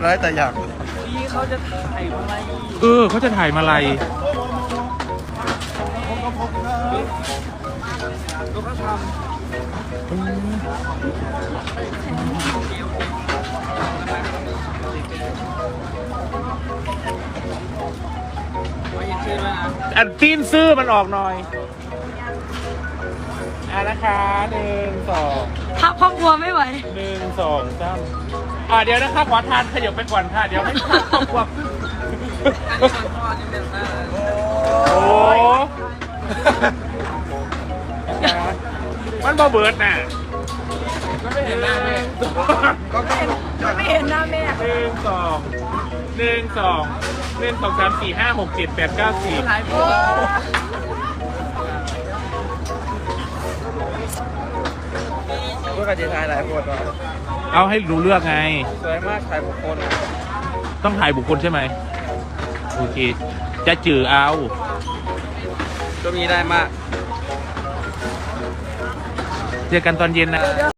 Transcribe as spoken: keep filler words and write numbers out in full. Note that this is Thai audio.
ร้ายแต่อย่างพี่เขาจะถ่ายอะไรเออเขาจะถ่ายมาลัยดูเขาทำยังชื่อด้วยนะอันตีนซื้อมันออกหน่อยอ่ะนะคะหนึ่งสองทับครอบครัวไม่ไหวหนึ่งสองสามอ่าเดี๋ยวนะคะขอทานขยับไปก่อนค่ะเดี๋ยวไม่ทันครอบครัวโอ้มันบ่เบิดน่ะก็ไม่เห็นหน้าแม่ก็ไม่เห็นหน้าแม่หนึ่งสองหนึ่งสองหนึ่งสองสามสี่ห้าหกเจ็ดแปดเก้าสิบเพื่อกระจายหลายคนวะเอาให้รู้เลือกไงสวยมากถ่ายบุคคลต้องถ่ายบุคคลใช่ไหมโอเคจะจือเอาก็มีได้มากเจอกันตอนเย็นนะ